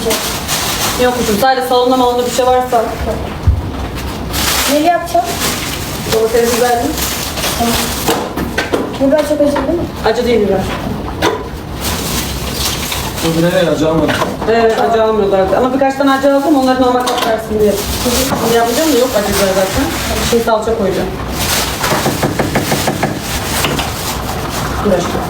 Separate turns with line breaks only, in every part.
Yok kuşum, sadece salonda malında bir şey varsa.
Neli yapacağım?
Domates biberli.
Biber çok acı değil mi?
Acı değil biber.
Bu nereye acı almadım.
Evet, acı almıyorlardı. Ama birkaç tane acı aldım, onları normal tat versin diye. Şimdi yapacağım da yok acı biber zaten. Şimdi salça koyacağım. Bir dakika.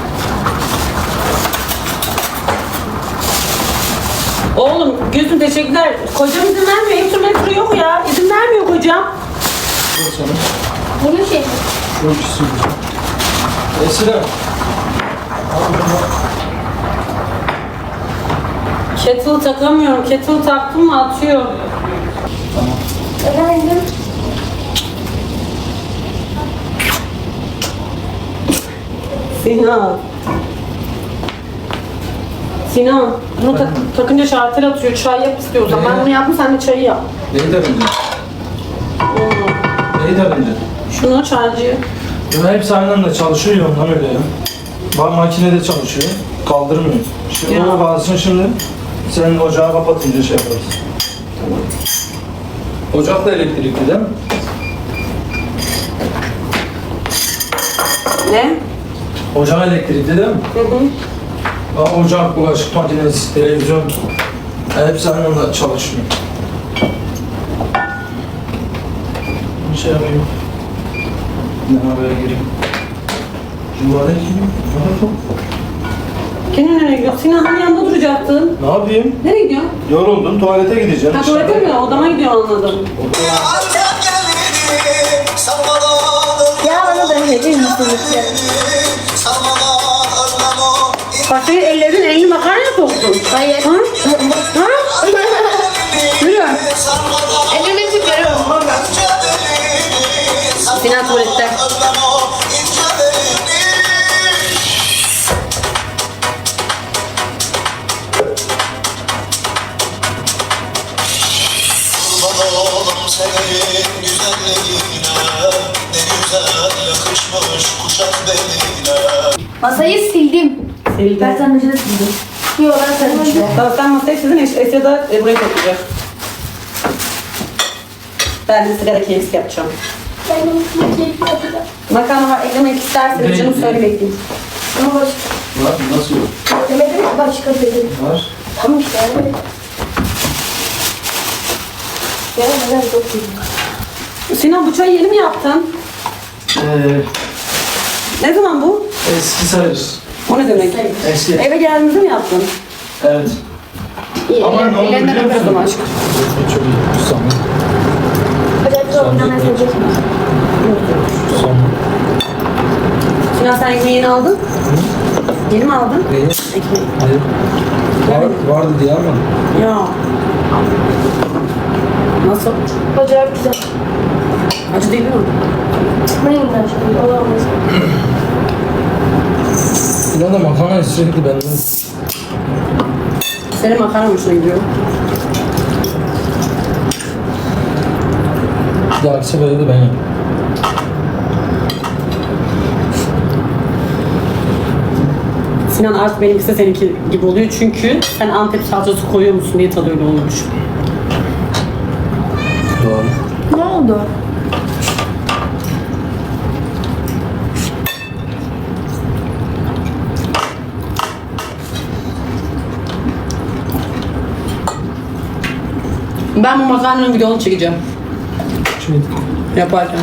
Oğlum, Gülsüm teşekkürler. Kocam izin vermiyor. Hep sürmek yok ya. İzin vermiyor kocam.
Bu sana.
Bunun şey mi?
Çok istiyorum. Esra. Al bunu.
Kettle takamıyorum. Kettle taktım mı atıyor.
Tamam.
Efendim?
Sinan. Sinan, bunu takınca şartel atıyor. Çay yap istiyorsan. Ben bunu yaptım, sen de çayı yap.
Neyi takınca? Neyi takınca?
Şunu çaycıyı.
Ya hepsi aynı anda çalışıyor ya ondan öyle ya. Bak makinede çalışıyor. Kaldırmıyor. Şimdi
Ya.
o kalsın şimdi. Sen ocağı kapatınca şey yaparız. Ocak da elektrikli değil mi?
Ne?
Ocak elektrikli değil mi?
Hı hı.
Bak ocak, bulaşık makinesi, televizyon. Hepsi aynı anda çalışıyor. Bir şey yapayım. Ne habere gireyim. Cumhuriyet kim?
Kendin nereye gidiyorsun? Sinan hani yanında duracaktın.
Ne yapayım?
Nereye gidiyorsun?
Yoruldum, tuvalete gideceğim.
Ha tuvalete mi? Odama gidiyor anladım.
Ya bana da verir misiniz?
Bak senin elini makarna soktun.
Hayır.
Ha? Ha? Yürü.
Elimi çıkarıyorum.
Sinan tuvalette.
Oğlum senin güzelliğine ne güzel yakışmış kuşak beline.
Masayı sildim.
Sildi.
Ben sen önce de sildim. Yok ben sen önce.
Tamam sen masayı sizin Esya da buraya toplayacak. Ben de sigara keyifsi yapacağım.
Ben onu keyif yapacağım.
Makarna var eklemek isterseniz canım söyle bekleyeyim.
Ama başka.
Var, nasıl yok?
Demedim mi? Başka dedim.
Var.
Tamam işte yani. Yani neden çok iyi.
Sinan bu çayı yeni mi yaptın? Ne zaman bu?
Eski sayarız.
O ne demek?
Eski.
Eve geldiğinizde mi yaptın?
Evet.
İyi.
Ama ne oldu
Ellerinden
biliyor
öpüyorum
musun?
aşkım.
Çok iyi. Sonra.
Özellikle oynamaya sevecek.
Sonra.
Sinan sen ekmeği yeni aldın? Yeni mi aldın?
Neyi?
Ekmeği.
Hayır. Vardı diye almadım.
Ya. Nasıl?
Acayip güzel.
Acı değil mi?
Çıkmayın ben şimdi. Olamaz.
İlan da makarna sürekli benden.
Senin makarna hoşuna gidiyor.
Bir dahaki sefere de ben yapayım.
Sinan artık benimkisi de seninki gibi oluyor çünkü sen Antep salçası koyuyor musun diye tadı öyle olmuş.
Doğru.
Ne oldu?
Ben bu makarnanın videonu çekeceğim.
Şimdi
Yaparken.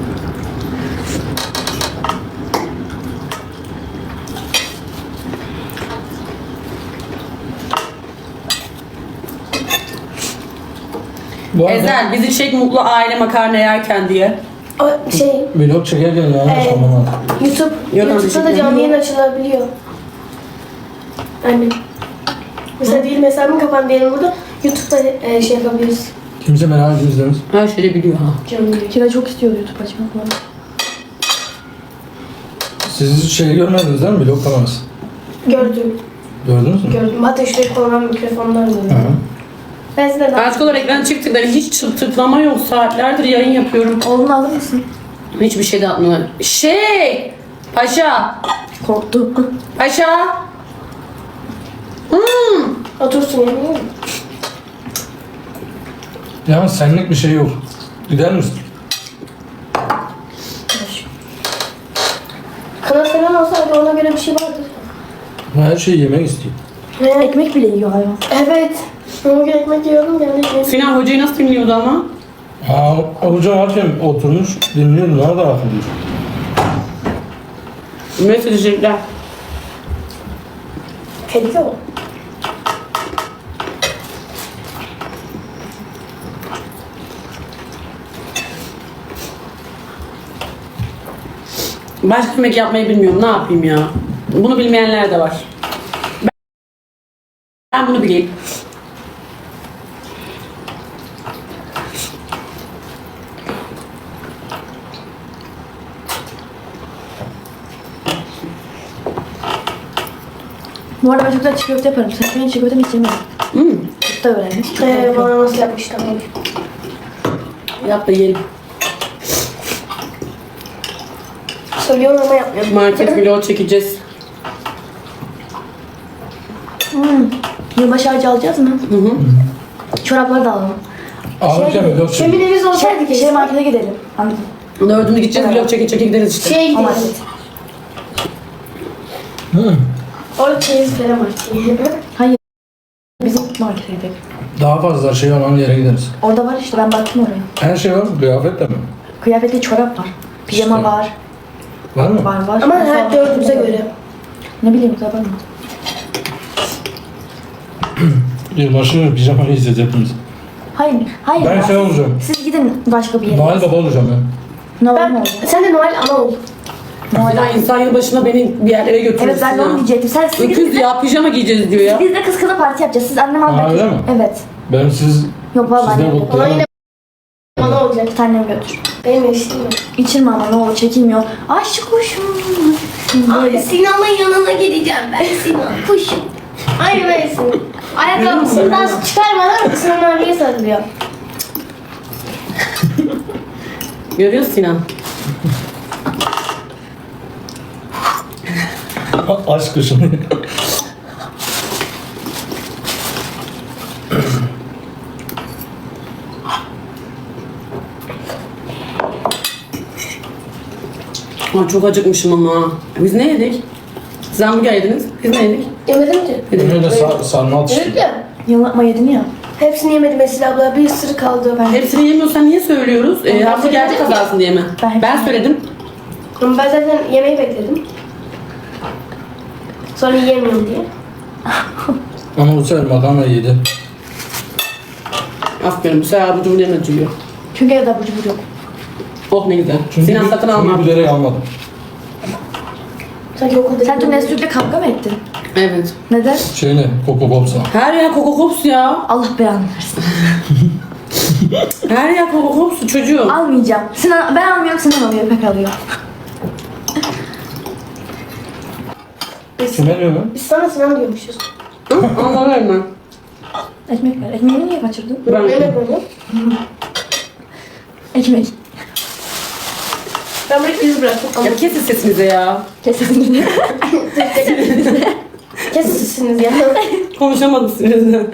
bu arada
Ezel bizi çek mutlu aile makarna yerken diye.
O şey,
vlog çekerken ya sormam lazım.
YouTube'da da canlı yayın açılabiliyor. Annem. Mesela değil mesajımı kapan diyelim burada. YouTube'da şey yapabiliriz.
Kimse merak etmez.
Her şeyi biliyor ha.
Canlı yayın. Kira çok istiyor YouTube açmak falan.
Siz hiç şey görmediniz değil mi? Vlog kanalısı.
Gördüm.
Gördünüz mü?
Gördüm. Hatta şuraya konulan mikrofonlar da.
Hı.
Ben size daha...
Artık olarak ekran çıktıkları hiç tıklama yok. Saatlerdir yayın yapıyorum.
Oğlunu alır mısın?
Hiçbir şey de atmıyorlar. Paşa!
Korktu.
Paşa!
Otursun ya.
Yani senlik bir şey yok. Gider misin?
Kanal seven olsaydı ona göre bir şey vardı.
Her şeyi yemek istiyor.
Ekmek bile yiyor hayvan.
Evet. Ona göre ekmek yiyordum yani.
Sinan hocayı nasıl dinliyordu ama?
Ha, hoca varken oturmuş dinliyorum. Nerede akıllı?
Neyse teşekkürler.
Kedi o.
Başka yemek yapmayı bilmiyorum. Ne yapayım ya? Bunu bilmeyenler de var. Ben bunu bileyim.
Bu arada ben çok güzel çiğ köfte yaparım. Sen benim çiğ köftemi hiç yemiyorum. Çok da öğrendim.
Bana nasıl yapmıştım?
Yap da yiyelim.
Söylüyorum ama yapmıyorum.
Market vlog çekeceğiz.
Yılbaşı ağacı alacağız mı? Çorapları da alalım.
Alırken bir yok
Şimdi evimiz olsaydı
Şey
kesin.
markete gidelim. Anladın.
Dördünde gideceğiz. Vlog çeke gideriz işte.
Şeye
O
gidelim.
market.
Orada çeyiz falan var.
Hayır. Bizim markete gidelim.
Daha fazla şey olan yere gideriz.
Orada var işte ben baktım oraya.
Her şey var mı? Kıyafet de mi?
Kıyafetli çorap var. Pijama
İşte.
var.
Var mı?
Var.
Ama her dördümüze göre.
Ne bileyim tabii mi?
Yılbaşı pijamayı yiyeceğiz hepimiz.
Hayır. Hayır.
Ben
ya.
şey olacağım.
Siz gidin başka bir yere.
Noel Baba olacağım ben.
Noel mi
Ben,
olacak?
sen de Noel ana ol.
Sinan insan yılbaşına beni bir yerlere götürür.
Evet ben de onu diyecektim. Siz
Öküz
gidin.
ya pijama giyeceğiz diyor ya.
Biz de kız kıza parti yapacağız. Siz annem
Ha,
almak.
öyle mi?
Evet.
Ben siz
Yok vallahi
sizden
annem.
Ona
kutlayalım.
yine ana olacak.
Bir tanem götür.
Benim eşim yok.
İçirme ama ne olur çekilmiyor. Aşk kuşum. Böyle.
Sinan'ın yanına gideceğim ben Sinan. Kuşum. Aynı böylesin. Ayakkabısından çıkarmadan Sinan abiye sarılıyor.
Görüyorsun Sinan.
Aşk kuşunu.
Aa, çok acıkmışım ama. Biz ne yedik? Siz hamburger yediniz. Biz ne yedik?
Yemedim ki.
Ben öyle sarma
Yedik
atıştım.
ya.
Yanıltma yedin ya.
Hepsini yemedim Esra abla. Bir sürü kaldı.
Hepsini yemiyorsan niye söylüyoruz? Hamburgerci
söyledim ki.
kazansın diye mi?
Ben
Ben söyledim.
Ama ben zaten yemeği bekledim. Sonra yiyemiyorum diye.
Ama bu sefer makarna yedi.
Aferin bu sefer abucu buraya acıyor.
Çünkü evde abur cubur yok.
Oh ne güzel. Sinan satın alma.
Çünkü bilerek almadım.
Sanki okulda
Sen dün Nesli'yle kavga mı ettin?
Evet.
Neden?
Şeyle, Coco Pops'la.
Her yer Coco Pops ya.
Allah belanı versin.
Her yer Coco Pops çocuğum.
Almayacağım. Sinan, ben almıyorum, Sinan alıyor, İpek alıyor.
Kime diyor lan?
Biz sana Sinan diyormuşuz.
Anlarım ben.
Ekmek ver. Ekmeğini niye kaçırdın?
Ben
Yemek böyle.
Ekmek.
Ben burayı düz bıraktım. Ama
Ya kesin sesinize ya.
Kes sesini.
kesin sizsiniz ya.
Konuşamadım sizinle.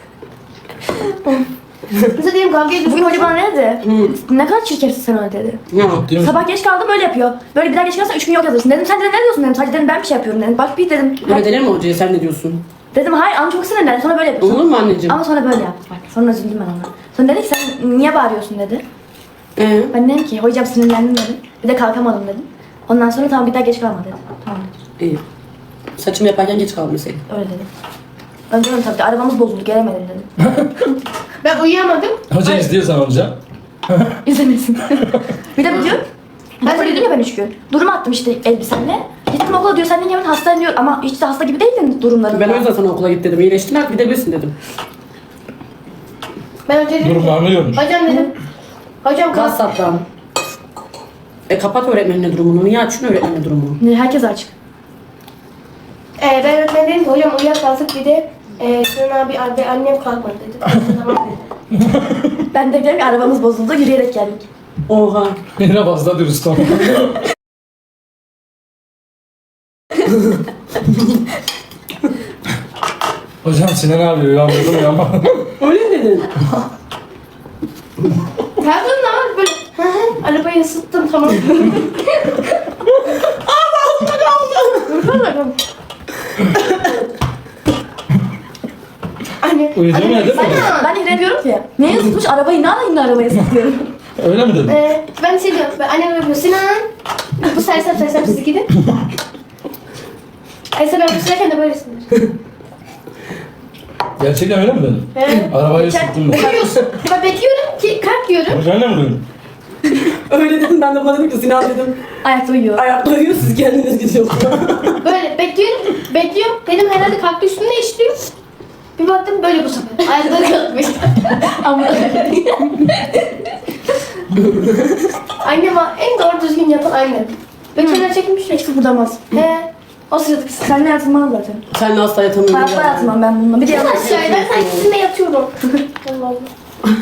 Bize diyelim kavga ediyoruz.
Bugün hoca bana ne dedi? Ne kadar çirkefsin sen öyle dedi.
Ya.
Değil mi?
Sabah geç kaldım böyle yapıyor. Böyle bir daha geç kalırsan 3 gün yok yazırsın. Dedim sen dedim ne diyorsun dedim. Sadece dedim ben bir şey yapıyorum dedim. Bak bir dedim.
Öyle denir mi hocaya sen ne diyorsun?
Dedim hayır ama çok sinirlendi. Sonra böyle yapıyorsun.
Olur mu anneciğim?
Ama sonra böyle yaptı bak. Sonra üzüldüm ben ona. Sonra dedi ki sen niye bağırıyorsun dedi. Ben dedim ki hocam sinirlendim dedim. Bir de kalkamadım dedim. Ondan sonra tamam bir daha geç kalma dedim. Tamam dedim.
İyi. Saçımı yaparken geç kalmasaydın.
Öyle dedim. Ben diyorum tabii arabamız bozuldu gelemedim dedim.
Ben uyuyamadım.
Hoca istiyorsan hocam.
İzlemesin. Bir de diyor. Ben de dedim ya ben 3 gün. Durum attım işte elbisemle. Gittim okula diyor sen niye hemen hastayım diyor. Ama hiç de hasta gibi değildin durumlarında.
Ben o yüzden sana okula git dedim. İyileştin artık gidebilirsin dedim.
Ben önce dedim.
Durumlarını görmüş.
Hocam dedim. Hocam kalk.
WhatsApp'tan. Kapat öğretmenine durumunu. Niye açın öğretmenine durumunu?
Herkes açık.
Ben öğretmen dedim ki hocam uyuyakaldık bir de Sinan abi annem kalkmadı dedi. Tamam dedi.
Ben de dedim ki arabamız bozuldu yürüyerek geldik.
Oha.
Yine fazla dürüst ol. Hocam Sinan abi uyandırdım ya ama.
Öyle mi dedin?
Telefonla ama böyle hı hı, arabayı ısıttım tamam. Allah'ım. Anne.
Uyuduğum yerde mi?
Ben yine diyorum ki neye ısıtmış arabayı, ne alayım da arabaya ısıtıyorum.
Öyle mi dedin?
Ben şey diyorum. Annem yapıyor. Sinan. Bu sersem siz gidin. Ay sen öpüşürken de böylesindir.
Gerçekten öyle mi dedin?
Evet.
Arabayı ısıttım ben.
Bekliyorsun. Ben bekliyorum ki kalk diyorum.
Sen de mi duydun?
Öyle dedim ben de bana dedim ki Sinan dedim.
Ayakta uyuyor.
Ayakta uyuyor siz kendiniz gidiyorsunuz.
Böyle bekliyorum. Dedim herhalde kalktı üstünde işliyor. Bir baktım böyle bu sefer. Ayakları kalkmış.
Ama
Annem en doğru düzgün yapan annem. Ve kenara çekmiş ya.
hiç kıpırdamaz.
O sırada kız.
Seninle yatılmaz zaten.
Sen de hasta yatamıyorsun.
Hayatta yatmam ben bununla. Bir de yanlış.
Aşağıya ben sanki sizinle yatıyorum. Allah Allah.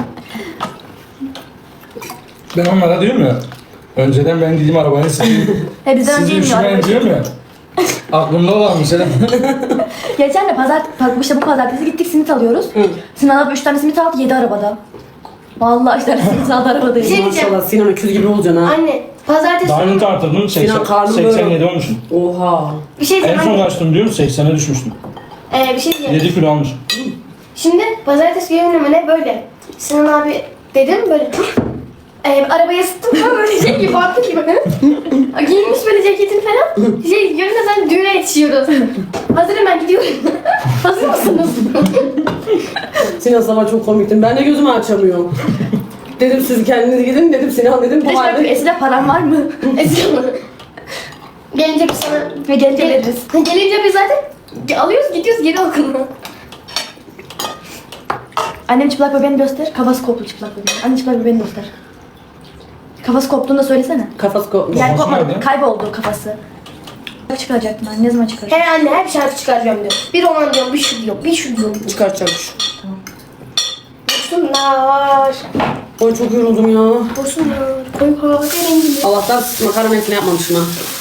Ben onlara diyorum ya. Önceden ben gideyim arabayı ısıtayım.
Bizden önce
Sizi
inmiyor
üşümeyin
araba.
diyorum ya. Aklımda olan mesela.
Geçen de işte bu pazartesi gittik simit alıyoruz. Sinan abi 3 tane simit aldı 7 arabada. Vallahi 3 tane simit aldı arabada.
Bir şey diyeceğim.
Maşallah Sinan öküz gibi olacaksın ha.
Anne. Pazartesi.
Daha önce tartıldım.
Sinan karnım böyle.
87 olmuşum.
Oha.
Bir şey
En
diyeceğim
son
anne.
kaçtım diyorum 80'e düşmüştüm.
Bir şey diyeceğim.
7 kilo almışım.
Şimdi pazartesi günü ne böyle. Sinan abi dedim böyle. Arabaya ısıttım falan böyle şey gibi baktım gibi. Giyinmiş böyle ceketini falan. Görünce sen düğüne yetişiyoruz. Hazırım ben gidiyorum. Hazır mısınız?
Sinan sabah çok komiktin. Ben de gözümü açamıyorum. Dedim siz kendiniz gidin dedim Sinan dedim bu
İşte
halde.
Esile param var mı?
Gelince biz sana...
Ve gelince veririz.
Gelince biz zaten alıyoruz gidiyoruz geri okuluna.
Annem çıplak bebeğini göster. Kafası koptu çıplak bebeğin. Anne çıplak bebeğini göster. Kafası koptuğunu da söylesene.
Kafası kopmuş.
Yani
Kafası
kopmadı.
nerede?
Kayboldu kafası. Çıkaracaktım ben. Ne zaman çıkaracağım?
Her anne her bir şarkı çıkaracağım diyor. Bir roman diyorum, bir şu diyorum, bir şu diyorum.
Çıkartacakmış.
Boşsunlar,
Oy çok yoruldum ya.
boşsunlar, koy kahverengili.
Allah'tan makarna etini yapmamışım ha.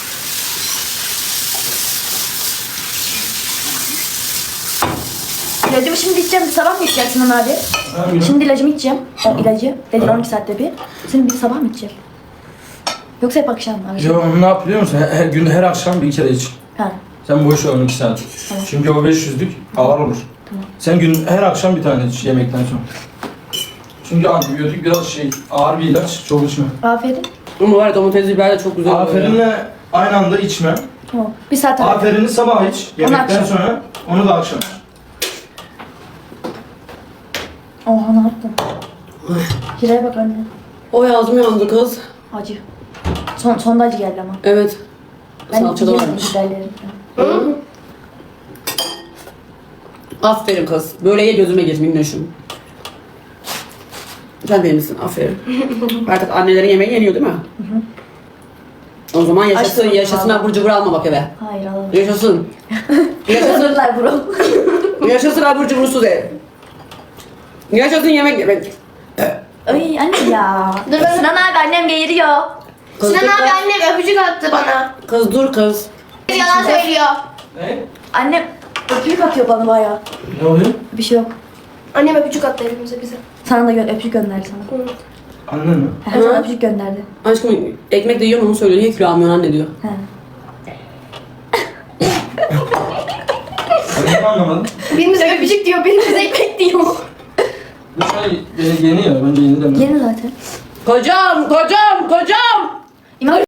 İlacımı şimdi içeceğim. Sabah mı içeceksin Sinan abi? Şimdi ilacımı içeceğim. O ilacı. Dedin 12 saatte bir. Şimdi bir sabah mı içeceğim? Yoksa hep akşam mı?
Ya ne yap biliyor musun? Her gün her akşam bir kere iç.
Ha.
Sen boş ver 12 saat.
Tamam.
Çünkü o 500'lük ağır olur.
Tamam.
Sen gün her akşam bir tane iç yemekten sonra. Çünkü antibiyotik biraz ağır bir ilaç. Çok içme.
Aferin.
Ama var ya domates biber de çok güzel oluyor.
Aferinle aynı anda içme.
Tamam. Bir saat ara.
Aferini sabah iç. Yemekten
akşam.
sonra onu da akşam.
Oha ne yaptın? Hira'ya bak anne.
O ağzım yandı kız.
Acı. Sonda acı geldi ama.
Evet.
Ben
Salça da
yiyorum
varmış.
biberleri falan.
Aferin kız. Böyle ye gözüme gir minnoşum. Sen de misin? Aferin. Artık annelerin yemeği yeniyor değil mi? O zaman yaşasın,
Açtım
yaşasın
vallahi.
abur cubur alma bak eve.
Hayır alalım.
Yaşasın. Yaşasın,
Hazırlar bro.
yaşasın abur cubursuz ev. Yaşasın yemek yemek.
Ay anne ya.
Dur ben-
Sinan abi annem geğiriyor.
Kız
Sinan
dur
abi
kız.
annem öpücük attı bana.
Kız dur kız.
Yalan söylüyor.
Ne?
Annem öpücük atıyor bana bayağı.
Ne oluyor?
Bir şey yok.
Annem öpücük attı hepimize bize.
Sana da öpücük gönderdi sana.
Annen mi?
He, sana öpücük gönderdi.
Aşkım ekmek de yiyorsun onu söylüyor. Niye kilo almıyorsun anne diyor.
He.
Ben hiç anlamadım.
Birimiz öpücük diyor, birimiz ekmek diyor.
Bu çay yeni ya. Bence yeni deme.
Yeni zaten.
Kocam, kocam, kocam.